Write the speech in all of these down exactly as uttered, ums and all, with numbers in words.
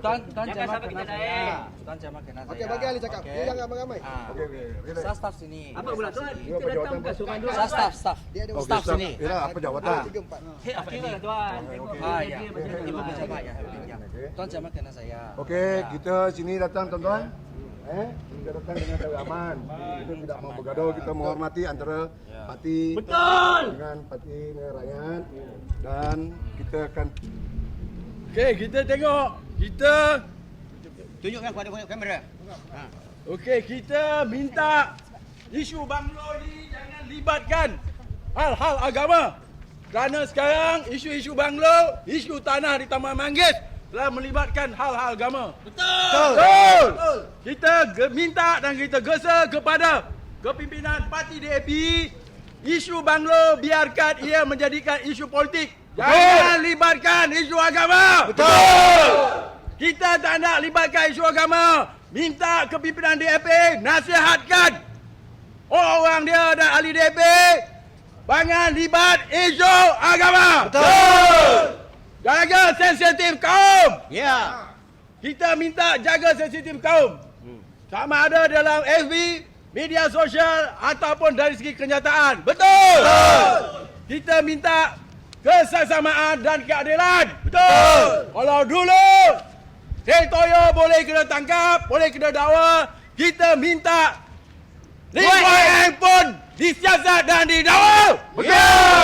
Tuan, tuan jangan kena saya. Tuan jangan kena saya. Okey, bagi ahli cakap. Dia jangan ramai-ramai. Okey, okey. Saya staff sini. Apa pula tuan? Dia Kita datang bukan seorang dua. Saya staff, staff. Dia ada Staff sini. Ya, apa jawatan? tiga empat. Hei, apa kira tuan? Ah, ya. Ibu pejabat ya. Tuan jangan kena saya. Okey, kita sini datang tuan-tuan. Eh, kita datang dengan cara aman. Kita tidak mau bergaduh, kita menghormati antara parti Betul. dengan parti rakyat dan kita akan Okey, kita tengok. Kita Tunjukkan kepada kamera. Okey, kita minta isu banglo ni jangan libatkan hal-hal agama. Kerana sekarang isu-isu banglo, isu tanah di Taman Manggis telah melibatkan hal-hal agama. Betul. Betul. Betul. Kita ge- minta dan kita gesa kepada kepimpinan parti D A P, isu banglo biarkan ia menjadikan isu politik. Jangan libatkan isu agama. Betul. Kita tak nak libatkan isu agama. Minta kepimpinan D A P nasihatkan orang-orang dia dan ahli D A P jangan libat isu agama. Betul. Jaga sensitif kaum. Ya. Kita minta jaga sensitif kaum. Sama ada dalam F B, media sosial ataupun dari segi kenyataan. Betul. Betul. Kita minta kesesamaan dan keadilan. Betul. Kalau dulu Hei Toyo boleh kena tangkap, boleh kena dakwa, kita minta Lee Kuan Yew pun disiasat dan didakwa. Betul.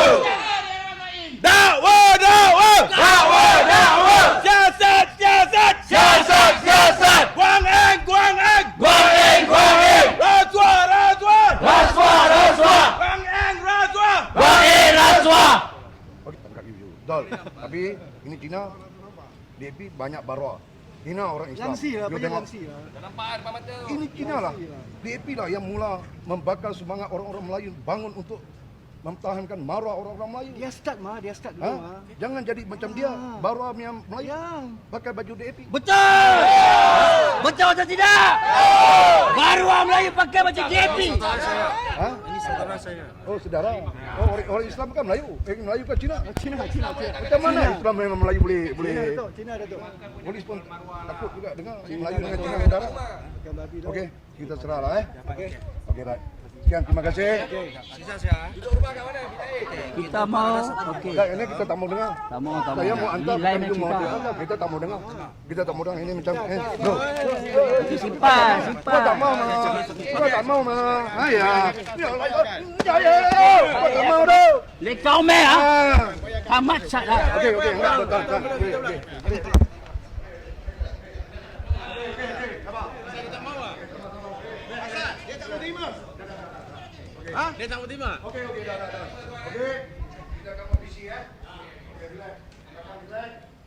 Dakwa, dakwa, dakwa, dakwa. Siasat, siasat, Siasat, siasat. Kuan Yew, Kuan Yew, Kuan Eng, Kuan Eng. rasuah, rasuah, Rasuah, rasuah. Kuan Yew, rasuah. Kuan Eng, rasuah. Okey, tak kaki dulu. Betul. Tapi ini Cina D A P banyak barwa. Hina orang Islam. Langsi lah, You banyak tengok. langsi lah. Ini Cina lah. D A P lah yang mula membakar semangat orang-orang Melayu bangun untuk mempertahankan maruah orang-orang Melayu. Dia start mah, dia start dulu Ha? mah. Jangan jadi macam dia, maruah yang Melayu Yang pakai baju D A P. Betul. Betul atau tidak? Baru orang Melayu pakai baju J P. Ha? Ini saudara saya. Oh, saudara. Oh, orang, orang Islam kan Melayu. Eh, Melayu ke Cina? Cina, Cina, Cina. Macam mana Islam dengan Melayu boleh boleh Cina Datuk, Cina Datuk. polis pun takut juga dengar Melayu dengan Cina saudara. Bukan babi dah. Okey, kita serahlah eh. Okey. Okey, right. Sekian, terima kasih. Kita mau. Okey. Dah, ini kita tak mau dengar. Tak mau, tak mau. Saya mau hantar Ini lain macam you mau cerita. dengar. Kita tak mau dengar. Kita tak mau dengar ini macam eh. No. Simpan, Kau simpan. tak mau mah. Kau tak mau mah. Ha ya. Ya, ya, ya. Kau tak mau dah. Lekau meh ah. Ah. Tamat sat dah. Okey, okey, enggak betul. Okey, okey. Ha? Dia tak mau terima. Okey, okey, dah, dah, dah. Okey.